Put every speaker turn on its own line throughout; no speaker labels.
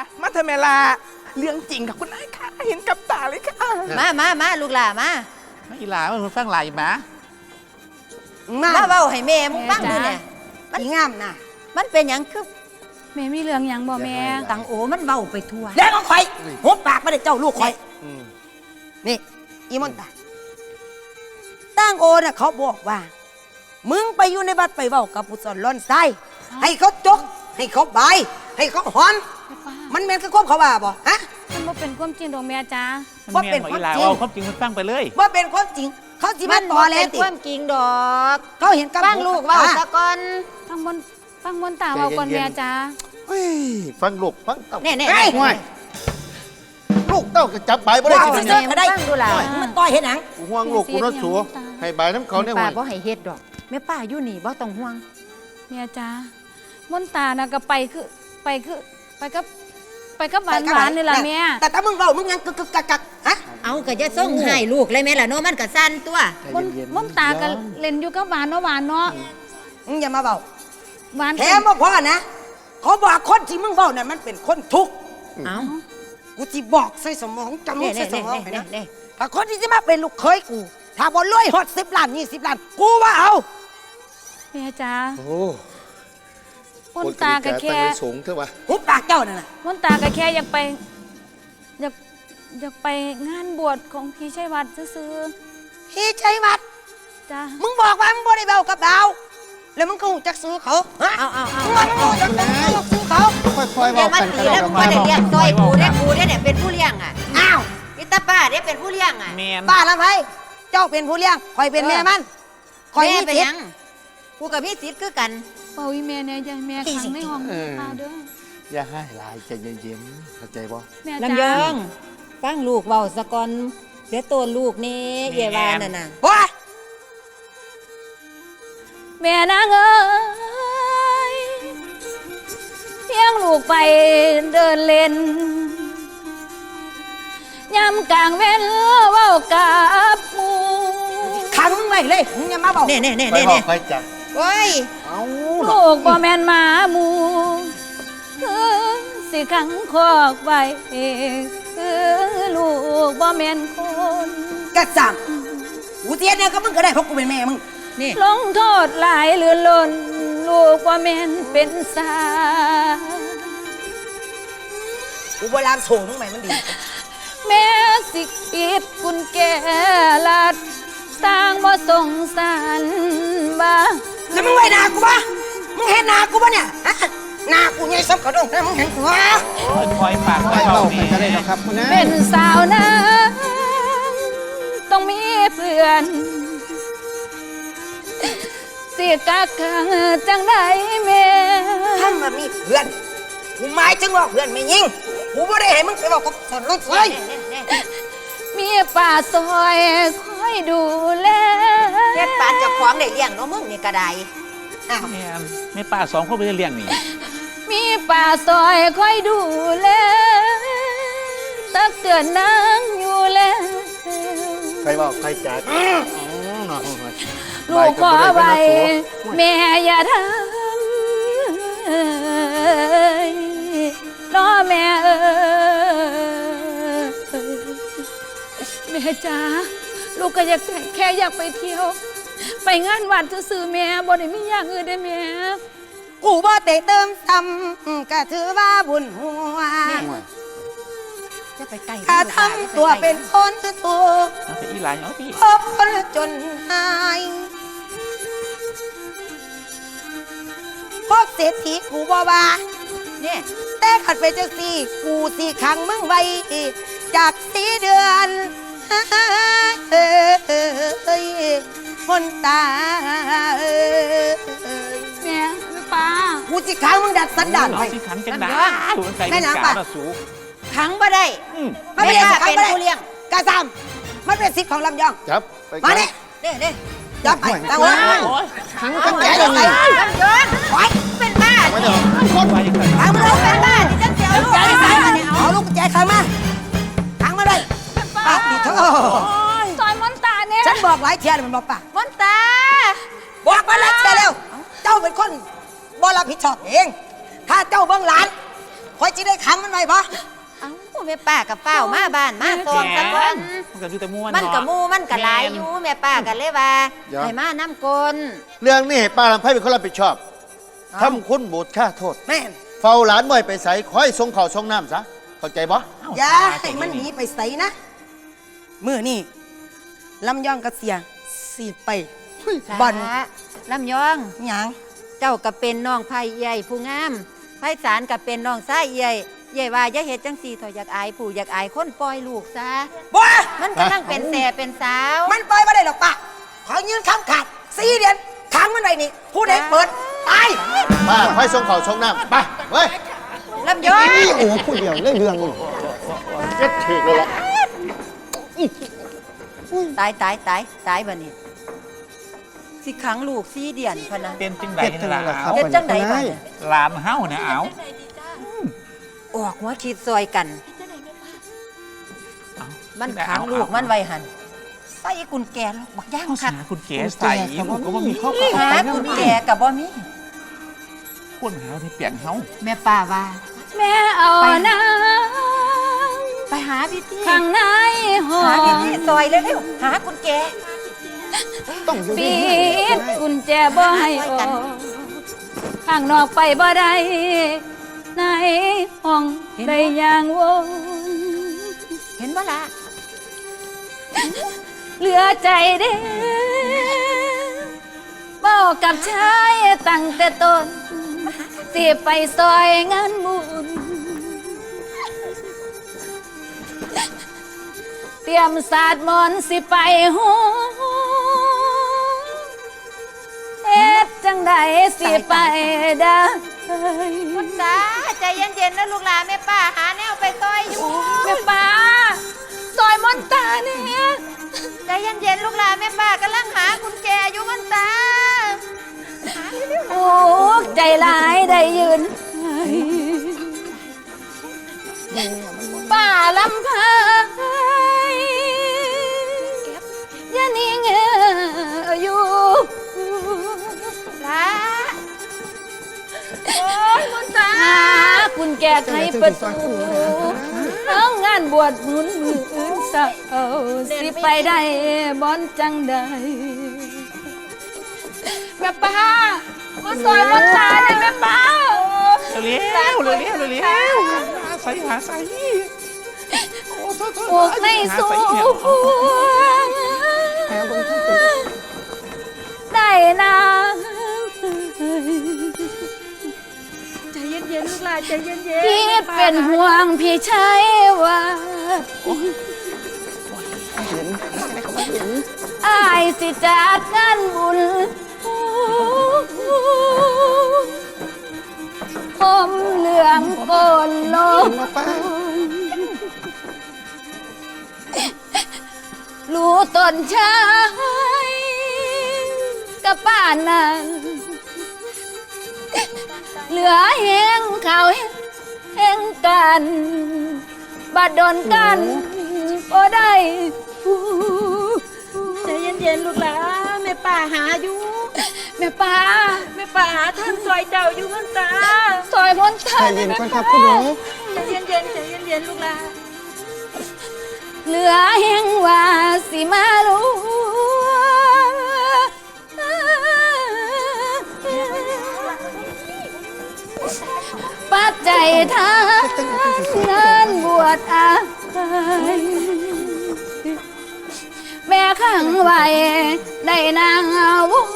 มาเถอะแม่ลาเรื่องจริงค่ะคุณนายค่ะเห็นกับตาเลยค่ะ
มาลูกหล่ามา
ไม่อีหลามันฟังหลายมา
เว้าให้แม่มึงฟังดูเนี่ยมันงามนะมันเป็นหยังคือ
แม่มีเรื่องหยังบ่แม่
ตังโอมันเว้าไปทั่ว
เด็กของข่อยหุบปากมาเด็กเจ้าลูกข่อยนี่อีมอนตาตั้งโอน่ะเขาบอกว่ามึงไปอยู่ในบัดไปเว้ากับผู้สอนล้อนไส้ให้เขาจกให้เขาบายให้เขาหอนมันแม่นคือความเขาว่าบ่ฮะ
มันบ่เป็นความจริงดอกแม่จ้า
มันเมียนบอกอีหลาเอาความจริงมันฟังไปเลย
ว่าเป็นความจริงเขาสิมาต่อแล้วติ
ความจริงดอก
เขาเห็นกับ
ฟังลูกเว้าซะก่อน
ฟังมนตาเว้าก่อนแม่จ้า
เฮ้ยฟังลูกฟังเต้า
แน่ๆ
ห่วยลูกเต้าก็จับใบบ่ได้
ว้าว
กิน
ซื่
เนี่ย
อๆก็ได้
ฟังดูล่ะ
มันต่อยเห็นหนัง
กูห่วงลูกกูน่าสัวให้ใบน้ำเขาเนี่ย
ป้า
ห่วย
บ่ให้เฮ็ดดอกแม่ป้าอยู่นี่บ่ต้องห่วง
แม่จ้ามนตาน่ะก็ไปกับหวานนี่ล่ะแม่
แต่ถ้ามึงเว้ามึงยังกึกกักฮะ
เอาก็จะส่งให้ลูกเลยแม่ล่ะเนาะมันก็สั่นตัว
มนตาก็เล่นอยู่กับหวานเนาะหวานเนาะ
มึงอย่ามาเว้า
หวาน
แถมบ่พอนะเขาบอกคนที่มึงเว้านั่นมันเป็นคนทุกข์
เอา
กูสิบอกใส่สมองจำมึงใส่สมองไปนะ
เน่
ถ้าคนที่จะมาเป็นลูกเคยกูถ้าบ่รวยฮอด10 ล้าน20 ล้านกูว่าเอา
แม่จ้า
โอ้
มนตาก็แค่
ตั้งไว้สูงเถอะวะ
หุบปากเจ้านั่นน่ะ
มนตาก็แค่อยากไปงานบวชของพี่ชัยวัฒน์ซื่อ
พี่ชัยวัฒน์
ๆจ้า
มึงบอกว่ามึงบ่ได้เว้ากับดาวแล้วมึงก็หูจักซื้อเขาฮะ
เอา
มึงว่ามึงหูจักซื้อเขา
ค่อยๆ
อย่า
เว้า
มา
กัน
ตี
ก็ได้
แล้ว
ด
มึ
อก
ง
ไม้
บ่ได้เลี้ยงซอยกูได้เนี่ยเป็นผู้เลี้ยงอ่ะ
อ้าว
พี่ตาป้าได้เป็นผู้เลี้ยงอ่ะ
เมียน
ป้าละไผเจ้าเป็นผู้เลี้ยงข่อยเป็นแม่มันข่อย
แม่
มี
เป็น
สิ
ห
ท
ยั
ธิ์
งกูกับพี่สิทธิ์คือกัน
เป่าอีแม่เนี่ยอย่าให้แม่ขังในห้องตาเด้อ
อย่าให้หลายใจเย็นๆเข้าใจบ่
แม่
ลำย
จ้า
องฟังลูกเว้าซะก่อนเดี๋ยวตัวลูกนี่เยวานั่นน่ะ
โอ้ย
แม่นางเอ้ยเพียงลูกไปเดินเล่นยามกลางเว้นเว้ากับหมู่
ขังมึงไว้เลยมึงอย่ามาบอก
เน่
ค่อยเว้าค่อยจับ
โอ้ย
เอ้า
ลูกบ่แม่นหมาหมูสิขังคอกไว้ลูกบ่แม่นคน
กระสังกูเทียนเนี่ยก็มึงก็ได้เพราะกูเป็นแม่มึง
นี่
ลงโทษหลายเหลือล้นลูกบ่แม่นเป็นสา
กูโบราณโถมึงใหม่มันดี
แม่สิปิดกุญแจลัดสร้างบ่สงสารบ้า
แล้วมึงไว้หน้ากูปะมึงเห็นหน้ากูปะเนี่ยฮะหน้ากูใหญ่สับกระดงนะมึงเห็นกูวะ
คอยปากค
ค่
อ
อย ย
เว้า
เว้า
แม่
กันก็ได้ดอกครับคุณนะ
เป็นสาวนะต้องมีเพื่อนสิกักขังจังไดแม่
ถ้ามามีเพื่อนกูหมายถึงว่าเพื่อนไม่ยิงกูไม่ได้ให้มึงไปบอกกับสอนรถไฟ
มีป่าซอยคอยดูแล
เฮ็ดปานเจ้าของได้เลี้ยงเนาะมึงนี่ก็ได้
อ้าว
แม่นแม่ป้าสองคนไปเลี้ยงนี่
มีป่าซอยคอยดูแลตักเตือนนางอยู่แล้ว
ค่อยเว้าค่อยจับ
ลูกขอไว้แม่อย่าทำน้อแม่เอ้ยแม่จ๋าลูกก็อยากแค่อยากไปเที่ยว ไปงานวัดซื่อๆแม่บ่ได้มีอย่างอื่นได้แม่
กูบ่เตะเติมซ้ำก็ถือว่าบุญหัว
จะไปไกล
ถ้าทำตัวเป็นคนถูก
เอาไปอีหลาเอาพี่
พบคนจนหายพบเศรษฐีกูบ่ว่า
นี่
แต่ขัดไปจังสี่กูสี่ขังมึงไว้จาก4 เดือนเฮ้ยคนตา
แม่ป้า
กูสิขังมึงดัดสันดาน
เอา
ไว้
สิขันจังได้สูงใส่
แม่
เป็น
น้ำ
กา
ปะ
ละสูง
ขังบ่ได้
มันไม่ได้ขัง
เป็น
ไม่ได้
ผู้เลี้ยง
กาซามมันเป็นสิทธิ์ของลำยอง
จับไป
มาเนี่ย
นี่
จับไปตั้งไว้
โอ้ย
ขัง
ตั้
กั
ง
น
ไว้
แก่
ตั้ง
เล
ไว้
ย
ลำยองโอ้ยเป็นบ้า
ไม่เดี๋ยว
ไว้กัน
ขังมัน
เรา
เอา
เป็นบ้าที่จะเสียลูก
ใจขังมาเนี่ยเอาลูกใจขังมาขังมาเลยปากดิเถอะ
ซอยมอนตาเนี่ย
ฉันบอกหลายเทียมันบอกปะ
มนตา
บอกมาหลายเทียแล้ว เจ้าเป็นคนบ่รับผิดชอบเอง ถ้าเจ้าเบิ่งหลานคอยจะได้ขังมันไว้บ่
เอ้าแม่ป้ากับเฝ้ามาบ้านมาซองซะก่อน
มันก็อยู่แต่ม่วน
มันกับ
เาะ
มูมันกับหลายอยู่แม่ป้ากันเลยว่าให้มาน้ำกล
เรื่องนี้ให้ป้าลำไพเป็นคนรับผิดชอบทำคุณบูดค่าโทษ
แม่น
เฝ้าหลานบ่อยไปใส่คอยส่งข้าวส่งน้ำซะเข้าใจบ่
อย่าให้มันหนีไปใส่นะมื้อนี้ลำยองกับเสียสิไปบ่อน
ลำยอง
หยัง
เจ้าก็เป็นน้องไผ่ใหญ่ผู้งามไผ่สารก็เป็นน้องชายใหญ่ใหญ่ว่าอย่าเฮ็ดจังซี่เถอะอยากอายผู้อยากอายคนปล่อยลูกซะ
บ่
มันกำลังเป็นแส่เป็นสาว
มันปล่อยบ่ได้หรอกปะขอยืนคำขาด4 เดือนขังมันไว้นี่ผู้ใดเปิดตาย
ป้าคอยส่งข้าวส่งน้ำไปเว้ย
ลำยอง
โอ้ผู้เดียวเรื่องเจ็ดถึกเลยละ
ตายบัดนี้สิขังลูก4 เดือนพะนะ
เป็นจังไดนี่ล่ะเอา
เฮ็ดจังไดบัดนี้
หลานเฮาเนี่ยเอา
ออกหัวคิดซอยกัน
เอา
มันขังลูกมันไว้หันใส่กุญแจลูกบักย่าง
เขา
คัก
หาคุณเก๋ใส่ลูกก็บ่มีครอบครัว
หากุญแจกับบ่มี
คนหาที่เปลี่ยนเฮา
แม่ป้าว่า
แม่เอานาง
ไปหาพี่ที่
ข้างในหอ
หาพี่ที่ซอยเร็วๆหากุญแจ
ปิดกุญแจบ่ให้ออกข้างนอกไปบ่ได้ในห้องได้อย่างวง
เห็นบ่ล่ะ
เหลือใจเด้บอกกับชายตั้งแต่ต้นสิไปซอยงานบุญเตรียมศาสตร์มนต์สิไปหูเฮ็ดจังใดสิไปได้
คุณตาใจเย็นๆนะลูกหลานแม่ป้าหาแนวไปซอยอยู่
แม่ป้าซอยมนตาเนี่ย
ใจเย็นๆลูกหลานแม่ป้ากำลังหากุญแจอยู่คุณตา
โอ้ใจร้ายได้ยืนป้าลำพายอย่านิ่งอยู่
ละ
โอ้ยคุณตาคุณแก้ไขประตูน้องงานบวชหนุนมืออื่นสาวสิไปได้บอนจังใดแม่ป้ามาซอยมนตาเลยแม่ป้า
เร็วใส่หาใส่โอ้โทษ
ปลูกในสวนได้นะใจเย็นๆลูกหลานใจเย็นๆพี่เป็นห่วงพี่ชายว่าอายสิจัดงานบุญผมเหลืองโกนโลกรู้ต้นชายกับป้านั้นเหลือแห้งเขาแห้งกันบาดโดนกันบ่ได้ใจเย็นๆลูกหลานแม่ป้าหาอยู่แม่ป้าหาท่านซอยเจ้าอยู่มันตาซอยมนตาใจเย็นก่อนครับคุณหนูใจเย็นลูกหลานเหลือแห้งว่าสิมาลูปัจจัยทางงานบวชอาแม่ขังไว้ได้นางวุ้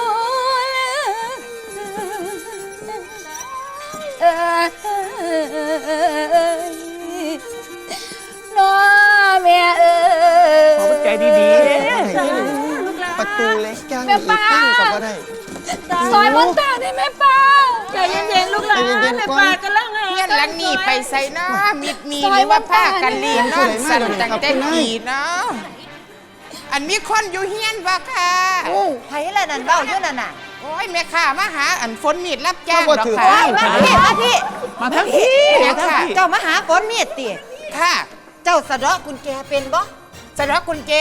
น้อแม่
ขอใจดี
ประตูเล็กจัง
แม่ป้า
ตั้งกับว่าได้
ซอยมนตาได้แม่ป้าใจเย็นๆลูกหลานแม่ป้ากำลังหา
เฮียนหลังนี่ไปใส่เนาะมิดมีหรือว่าผ้ากันลีนเนาะสั่นตั้งแต่กี่เนาะอันมีคนอยู่เฮียนบ่ค่ะ
ไผล่ะนั่นเบ้าอยู่นั่นน่ะ
โอ้ยแม่ข้ามาหาอันฝนมีดรับจ้างดอก
โอ้
ค่ะ
ยมาพี่
มาทั้งที่
แม่ค่ะ
เจ้ามาหาฝนเมียดติ
ค่ะ
เจ้าสะเดาะกุญแจเป็นบ่
สะดอกกุญแจ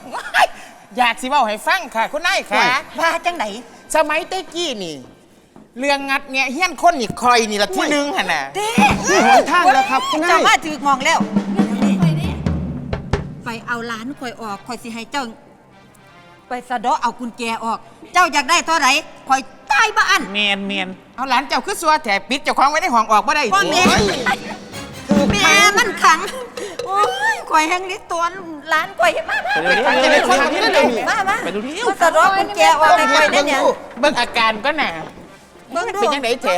อยากสิเว้าให้ฟังค่ะคุณนายค่ะ
ว่าจังไหน
สมัยเต้กี้นี่เรื่องงัดแงะเฮี้ยนคนนี่คอยนี่ละที่หนึ่งหั่นน่ะ
นี่หนทางแล้วครับคุณนาย
เจ้ามาถือมองแล้วไปเอาหลานข่อยออกข่อยสิให้เจ้า ไปสะเดาะเอากุญแจออก เจ้าอยากได้เท่าไหร่ข่อยตายบ้าน
เมน
เอาหลานเจ้าคือสัวแถปิดเจ้าของไว้ในห้องออกบ่ได้
พ่อแม่แม่มันขังโอ้ยข่อยแห้งนี้ตัวหลานข่อยมา
ไปเร็ว
มา
ไปดูดิ
มาสะเดาะกุญแจออกให้ข่อยได้เนี่ย
เบิ่งอาการก็น่ะ
เบิ่งดู
เป็นจังไดแท้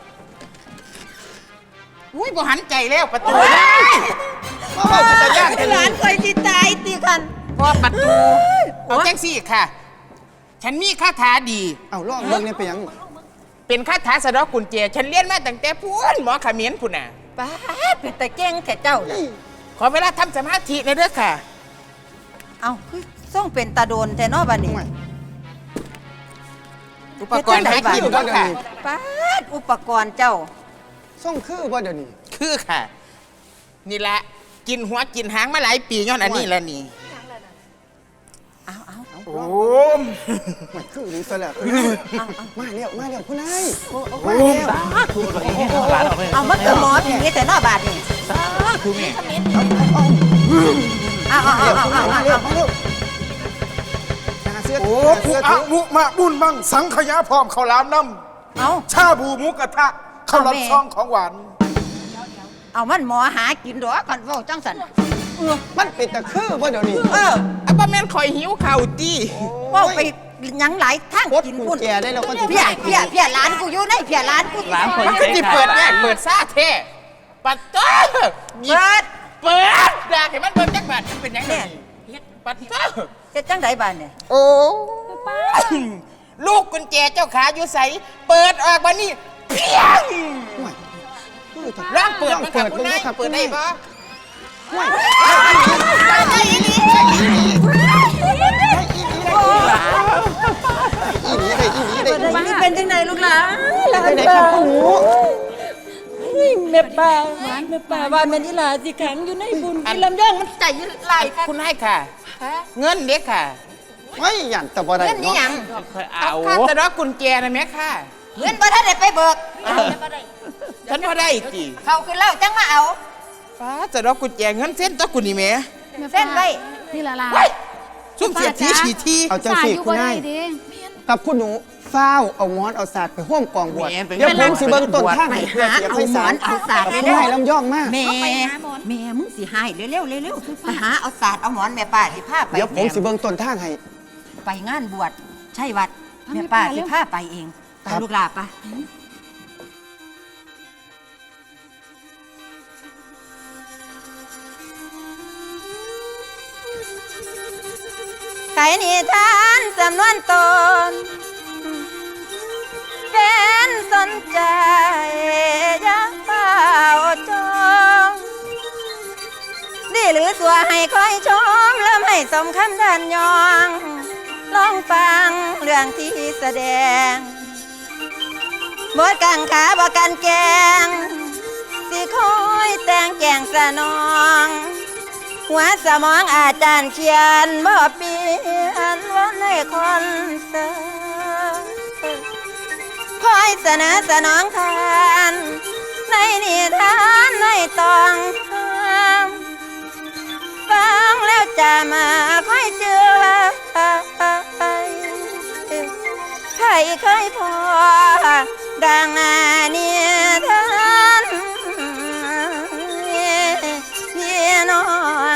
อุ้ยบ่หันใจแล้วประตู
มาบอกเป็นตาย่านกัน
หลานข่อยสิตายติกัน
พอประตูเอาจังซี่ค่ะ ฉันมีคาถาดี
เอาลองเบิ่งเนี่ยไปยัง
เป็นคาถาสะเดอกกุญแจฉันเรียนมาตั้งแต่พูนหมอเขมิ้นพุ่นน่ะ
ป้าดเป็นตะเก่งแค่เจ้า
ขอเวลาทำสมาธิหน่อยเด้อค่ะ
เอาคือส่งเป็นตาโดนแต่เนอบัดนี้
อุปกรณ์หากินก็ค่ะ
ป้าดอุปกรณ์เจ้า
ส่งคือบ่เดี๋ยวนี้
คือค่ะ นี่ละกินหัวกินหางมาหลายปีย้อนอันนี้แล้วนี่
เอา
โอ้ม
ไม่คือหรือซะแล้วมาแล้วคุณนาย
หลานออกเลย
เอามันก็หมอผีแต่เนอบาดนี่
คือแม่
เอา
มาเร็วมาเร็วหาเสื้อ
โอ้
หา
ผู้
เสื้อ
อะ
ถือ
มุมาบุญบังสังขยาพร้อมข้าวหลามน้
เอา
ำชาบูหมูกระทะข้าวหลามซองของหวาน
เอามันหมอหากินดอกกันเว้าจังสัน
มันเป็นตะคือบ่เดี๋ยวนี้
เอาบ่แม่นคอยหิวข้าวตี
เว้าไปหยังหลายทาง
กด
กิน
กุญ
พุ่น
แจได้แล้วก็สิ
เพี้ยหลานกูอยู่ในเพี้ยหลานกู
หลานคน
มันก็สิเปิดแยกเปิดซ่าแท้ปัดโต้เปิดด่าให้มันเบิ่งจักบาทมันเป็นหยังไงปัดโต้
เฮ็ดจังไดบาดเนี่ย
โอ้ลูกกุญแจเจ้าขาอยู่ใสเปิดออกมานี่เพียงร่างเปิดมันกับคุณนายเปิดได้ปะ
มันเป็นจังไดลูกหลาน
ได้ครับคุณหนู
แม่ป้าว่าแม่นี่ล่ะสิขังอยู่ในบุญกินลำย่องมันใจไหลค่ะ
คุณนายค่ะ เงินเด็กค่ะ
ไม่หยันแต่บ่ได้
เงินนี่หยัง
ค่อย
เอา
เอา
ค่าจะรอกุญแจนะแม่ค่ะ
เงินบ่ทันได้ไปเบิก
ฉันพอได้จี
เขาขึ้นแล้วจังมาเอา
ฟ้าจะรอกุญแจเงินเส้นตัวกุนี่แม่
เส้นไว้
นี่ล่ะ
ซุ่มเสียทีฉีที
เอาจังสิคุณนายกับคุณหนูฟ้าวเอาหมอนเอาศาสตร์ไปห่วมกองบวชเดี๋ยวผมสิเบิ่งต้นทาง
ไป
ให้เพื่อ
หา
เสีย
เอา
ไพ
หม
ศา
อ
ล
นเอาศาสตร์
คุณ
เร็วน
ายลำย่องมาก
แม่มึงสิหายเร็วไปหาเอาศาสตร์เอาหมอนแม่ป้าสิพาไป
เดี๋ยวผมสิเบิ่งต้นทางให้
ไปงานบวชใช่วัดแม่ป้าสิพาไปเองตามลูกหลาปะไขนิทานสำนวนตนเป็นสนใจอยักเฝ้าจองดีหรือสัวให้คอยชมแล้วให้สมคำดันยองลองฟังเรื่องที่แสดงบทกังขาบกันแกงสิคอยแต่งแกงสนองหัวสมองอาจารย์เขียนบ่เปลี่ยนว่าในคอนเสิร์ตคอยเสนอสนองทานในนิทานในตองห้ามฟังแล้วจะมาคอยเชื่อใครเคยพอดังนิทานพี่น้อง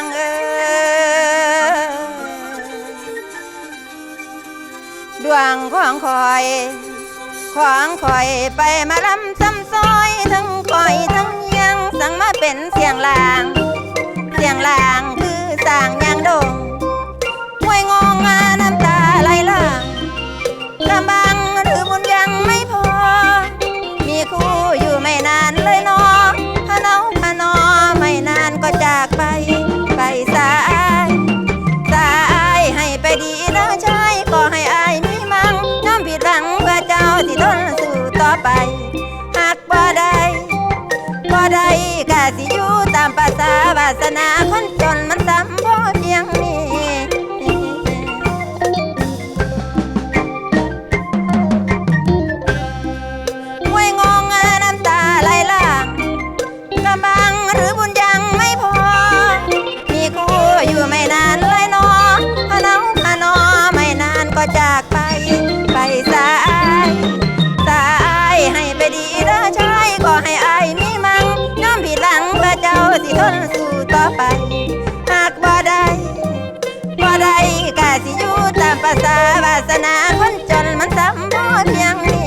ดวงของคอยไปมาลำซ้ำซอยทั้งคอยทั้งยังสั่งมาเป็นเสียงลางคือสร้างยางดงมวยงงน้ำตาไหลหลังกำบังหรือบุญยังไม่พอมีคู่อยู่ไม่นานเลยน้องพะเนาพะนอไม่นานก็จากไปสายให้ไปดีนะชายก็ให้อายมีมั่งน้ำผิดหวังเพื่อเจ้าที่ทนสู้ต่อไปหากบ่ได้กะสิอยู่ตามภาษาวาสนาคนจนมันซ้ำพอเพียงนี้หรือบุญยังไม่พอมีคู่อยู่ไม่นานเลยนอพะน้องพะนอไม่นานก็จากไปสายให้ไปดีเด้อชายก็ให้อายมีมั่งน้อมผิดหลังพระเจ้าสิทนสู้ต่อไปหากบ่ได้ก็สิอยู่ตามภาษาวาสนาคนจนมันซ้ำบ่เพียงนี้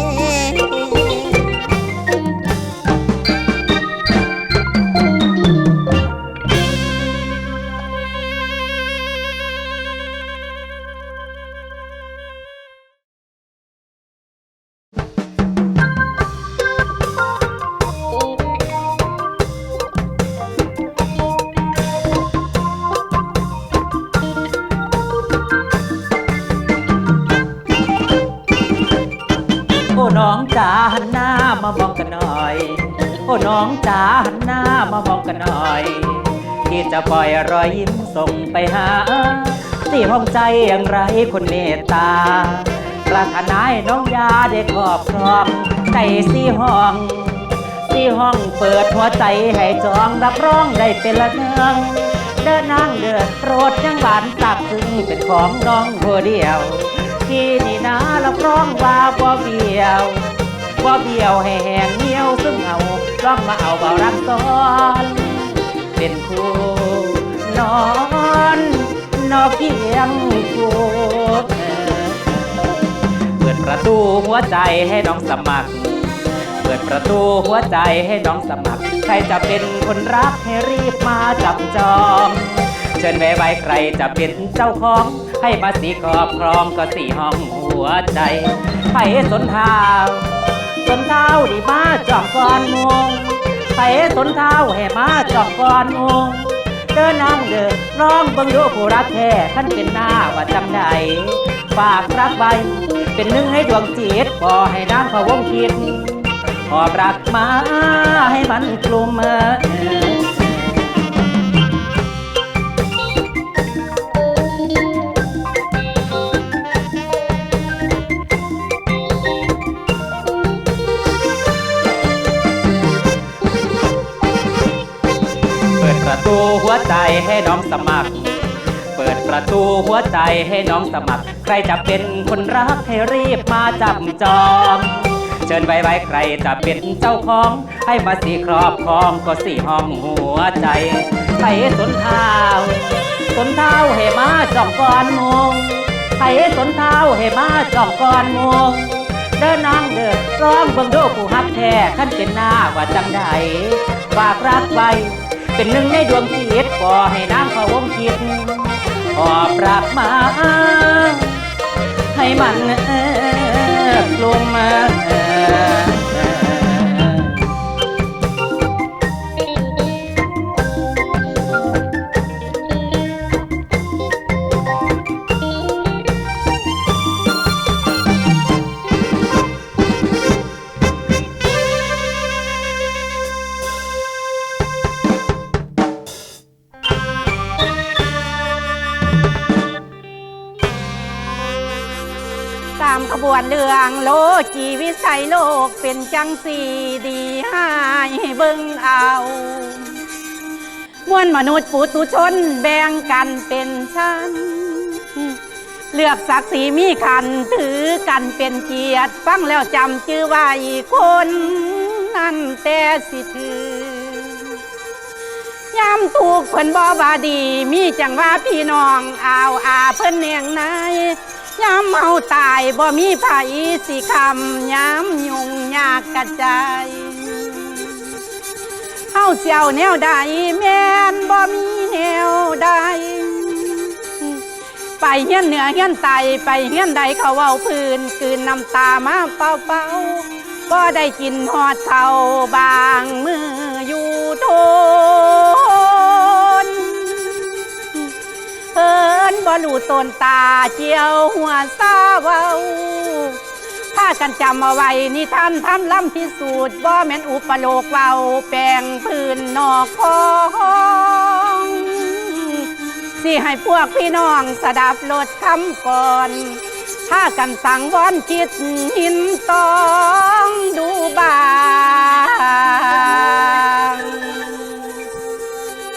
โอ้น้องจ๋าหันหน้ามามองกันหน่อยโอ้น้องจ๋าหันหน้ามามองกันหน่อยที่จะปล่อยรอยยิ้มส่งไปหาที่ห้องใจอย่างไรคนเมตตาปรารถนาให้น้องยาได้ครอบครองใจสี่ห้องเปิดหัวใจให้จองรับรองได้เป็นละเนืองเดินนางเดือดโปรดยังหวานสักซึ่งเป็นของน้องผู้เดียวที่นี่นะรับรองว่าบ่เบี้ยวให้แห้งเหี่ยวซึ่งเอาลองมาเอาเบารักซ้อนเป็นคู่นอนเพียงคู่เปิดประตูหัวใจให้น้องสมัครเปิดประตูหัวใจให้น้องสมัครใครจะเป็นคนรักให้รีบมาจับจองเชิญไว้ใครจะเป็นเจ้าของให้มาสีครอบครองก็สี่ห้องหัวใจไผสนเท้าดีมาจองก่อนมุงไผสนเท้าให้มาจองก่อนมุงเดินนั่งเดินร้องเบิ่งดูผู้รักแท้ท่านเป็นหน้าว่าจำได้ฝากรักไว้เป็นหนึ่งให้ดวงจิตพอให้นางพะวงคิดหอบรักมาให้มันกลุ่มประตูหัวใจให้น้องสมัครเปิดประตูหัวใจให้น้องสมัครใครจะเป็นคนรักให้รีบมาจับจองเชิญไว้ใครจะเป็นเจ้าของให้มาสีครอบครองก็สี่ห้องหัวใจไผสนเท้าให้มาจองก่อนมุงไผสนเท้าให้มาจองก่อนมุงเดินนางเดินร้องเบิ่งดูผู้ฮักแท้ขั้นเป็นหน้าว่าจังใดฝากรักไว้เป็นหนึ่งในดวงจิตก็ให้นางพะวงคิดหอบรักมาให้มันกลุ่ม
ตามขบวนเรื่องโลกีวิสัยโลกเป็นจังสีดีให้เบิ่งเอามวลมนุษย์ปุถุชนแบ่งกันเป็นชั้นเลือกศักดิ์ศรีมีขันถือกันเป็นเกียรติฟังแล้วจำชื่อว่าอีกคนนั่นแต่สิถือยามถูกเพิ่นบ่ว่าดีมีจังว่าพี่น้องอาเพิ่นเนียงนายยามเฮาตายบ่มีไผสิคำยามยุ่งยากกระจายเฮาเสี่ยวแนวใดแม่นบ่มีแนวใดไปเฮียนเหนือเฮียนใต้ไปเฮียนใดเขาเว้าพื้นคืนน้ำตามาเป่าบ่ได้กินฮอดเขาบางมืออยู่ทนเพิ่นบ่รู้ต้นตาเจียวหัวซาเว้าถ้ากันจำเอาไว้นิทานทำล้ำพิสูจน์บ่แม่นอุปโลกเว้าแปลงพื้นนอกคองสิให้พวกพี่น้องสดับลดคำก่อนถ้ากันสังวรคิดหินต้องดูบาง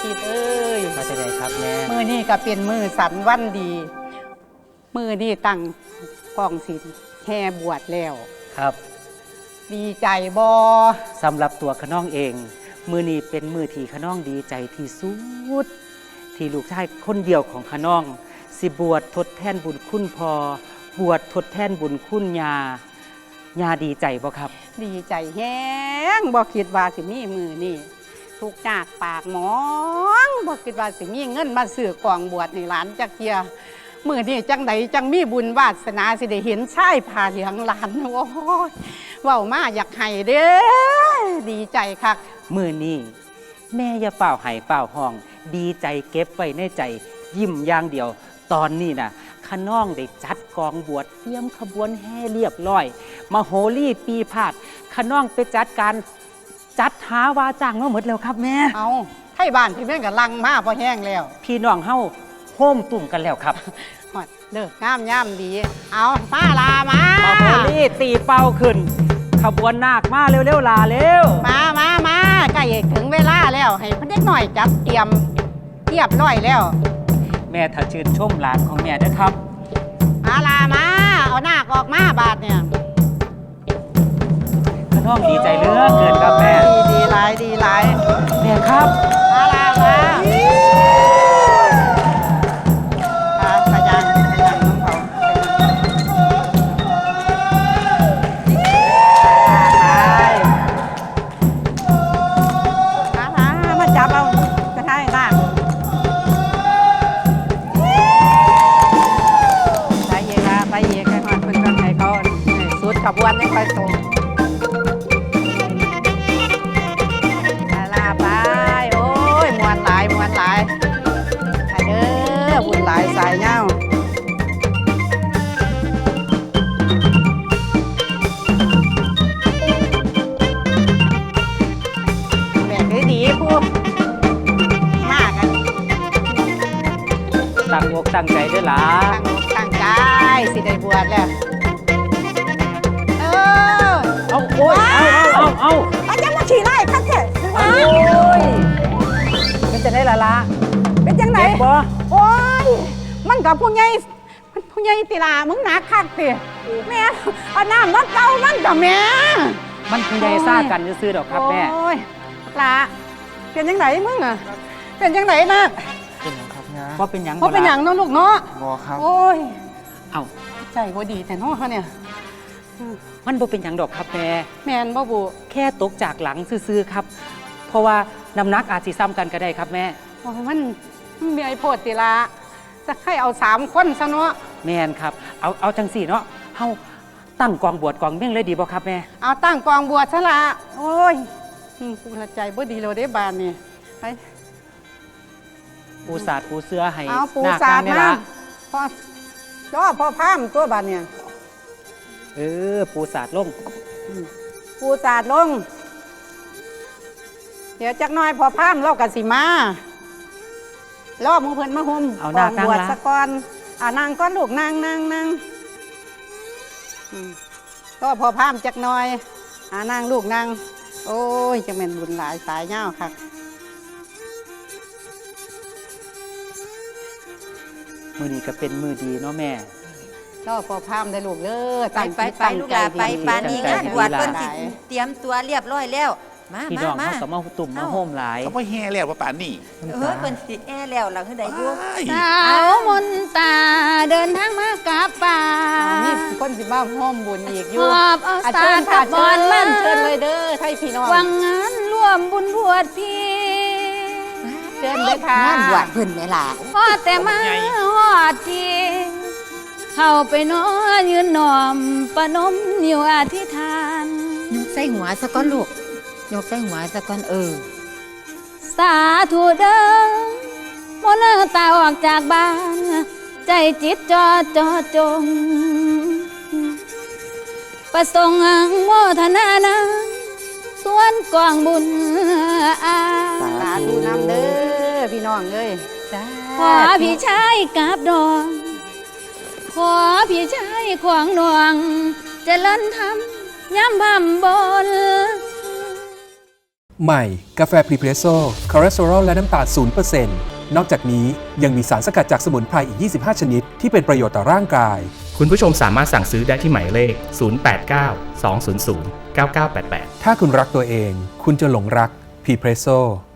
คิดเอ้ย
มาจะไหนครับแม่
มือนี่ก็เป็นมือสันวันดี มือนี่ตั้งกองศิลแห่บวชแล้ว
ครับ
ดีใจบอ
สำหรับตัวขน้องเอง มือนี้เป็นมือที่ขน้องดีใจที่สุดที่ลูกชายคนเดียวของขน้อง สิบวชทดแทนบุญคุณพอบวชทดแทนบุญคุณยาดีใจบ่ครับ
ดีใจแห้งบอคิดว่าสิมีมือนี่ทุกจากปากหมองบอคิดว่าสิมีเงินมาซื้อกองบวชในหลานจักเทียมือนี่จังใดจังมีบุญวาสนาสิได้เห็นชายผ่าเหลืองหลานโอ้ยเว้ามาอยากให้เด้อดีใจคัก
มือนี้แม่อย่าเป่าไห้เป่าห้อง ดีใจเก็บไว้ในใจ ยิ้มอย่างเดียว ตอนนี้นะขน้องได้จัดกองบวชเตรียมขบวนแห่เรียบร้อยมาโหรี่ปีพาดขน้องไปจัดการจัดหาวาจ้างมาหมดแล้วครับแม่
เอาไทยบ้านพี่แม่งกับลังมาพอแห้งแล้ว
พี่น้องเฮาโฮมตุ่มกันแล้วครับ
ฮอดเลิกงามย่ำดี เอามาลามา
มาโหรี่ตีเป้าขึ้น ขบวนนาคมาเร็วๆลาเร็ว
มาใกล้ถึงเวลาแล้ว ให้เพิ่นเด็กหน่อยจัดเตรียมเรียบร้อยแล้ว
แม่ถ้าชื่นชมหลานของแม่เด้อครับ
มาลามาเอาหน้าออกมาบาดเนี่ย
ขน้องดีใจเหลือเกินครับแม่
ดีหลายดีหลาย
แม่ครับ
มาลามาขยันน้องเขามาจับเอากระทายล่างไปเอกให้หอดเพิ่นกันให้เขาสุดขบวนให้ค่อยส่งลาไปโอ้ยมวนหลายไปเด้อบุญหลายสายเงาแม่คือดีผู้มากกัน
ตั้งอกตั้งใจเด้อหลา
ตั้งใจสิได้บวชแล้ว
เอาโอ้ยเอา
อาจารย์มาฉี่ไล่คัดเถอะ
โอ้ยเป็นจะได้ละ
เป็นจังไหน
เจ็บบ่
โอ้ยมันกับผู้ใหญ่ติลามึงหนักคักติแม่เอาน้ำมาเกามันกับแม่
มันคือใหญ่ซ่ากันซื่อๆดอกครับแม่
โอ้ยลาเป็นจังไหนมึงอะเป็นจังไหนนะ
เป็นหยังครับงา
เพราะเป็นหยัง
เพราะเป็นอย่างเน้องลูกเนาะ
บอครับ
โอ้ย
เอ้า
ใจบ่ดีแต่เน้องเขาเนี่ย
มันบ่เป็นหยังดอกครับแม่
แมนบ่บุ
แค่ตกจากหลังซื่อๆครับ เพราะว่าน้ำหนักอาจสิซ้ำกันก็ได้ครับแม่
โอ้ยมันมีไอ้โพดติลาจะให้เอา3 คนซะเนาะ
แม่นครับ เอาจังสี่เนาะเฮาตั้งกองบวชกองเม่งเลยดีบ่ครับแม่
เอาตั้งกองบวชซะละโอ้ยกูละใจบ่ดีเลยได้บานนี่ไป
ปูสาดปูเสื้อให้
เอาปู
หน้
สาด
นี่
มา
ละ
พ่อพามตัวบานเนี่ย
ปูสาดลง
ปูสาดลง เดี๋ยวจักหน้อยพ่อพามเรากะสิมาล่อมือเพิ่นมาห่ม
เอาหน้า
บวช
นั่งละ
สะก่อนนางก้อนลูกนางก็พ่อพามจักหน้อยนางลูกนางโอ้ยจะเป็นบุญหลายสายเงาค่ะ
มือนี้ก็เป็นมือดีเนาะแม่
ก็พอพามได้ลูกเด้อ
ไป
ตั้ง
ลูก
ใจ
หลาไป
ดี
ปานนี้งานบวชเพิ่นสิเตรียมตัวเรียบร้อยแล้ว มา
พี่
มา
น้อง
มา
เขาก็มาตุ่มมาโฮมหลาย
เขาไปแห่แล้วว่าป่านนี่
เพิ่นสิแอแล้วหลังคือใดอยู่
สาวมนตาเดินทางมากับป่า
นี่คนสิมาห้อมบุญอีกอยู่
หอบเอา
เชิญ
สา
ค่ะ
ดกับบอลมัน
เชิญเลยเด้อไทยพี่น้อง
วังงานร่วมบุญบวชพี่
เชิญเลยค่ะ
งานบวชเพิ่นแม่ล่ะ
พอแต่มาหอดทีเข้าไปนอนยืนหนอมประนมอยู่อธิษฐาน
ยกใส่หัวซะก่อนลูกยกใส่หัวซะก่อน
สาธุเด้อมนตาออกจากบ้าน ใจจิตจอจง ประสงค์โมทนานาส่วนกองบุญอา
สาธุนำเด้อพี่น้องเอ้ย
ขอพี่ชายกับดอง ขอพี่ชายขวางหน่วงเจริญธรรมย้ำพำบน
ใหม่ กาแฟพรีเพรสโซ่คอเลสเตอรอลและน้ำตาล 0% นอกจากนี้ยังมีสารสกัดจากสมุนไพรอีก 25 ชนิดที่เป็นประโยชน์ต่อร่างกาย
คุณผู้ชมสามารถสั่งซื้อได้ที่หมายเลข 089 200 9988
ถ้าคุณรักตัวเอง คุณจะหลงรักพรีเพรสโซ่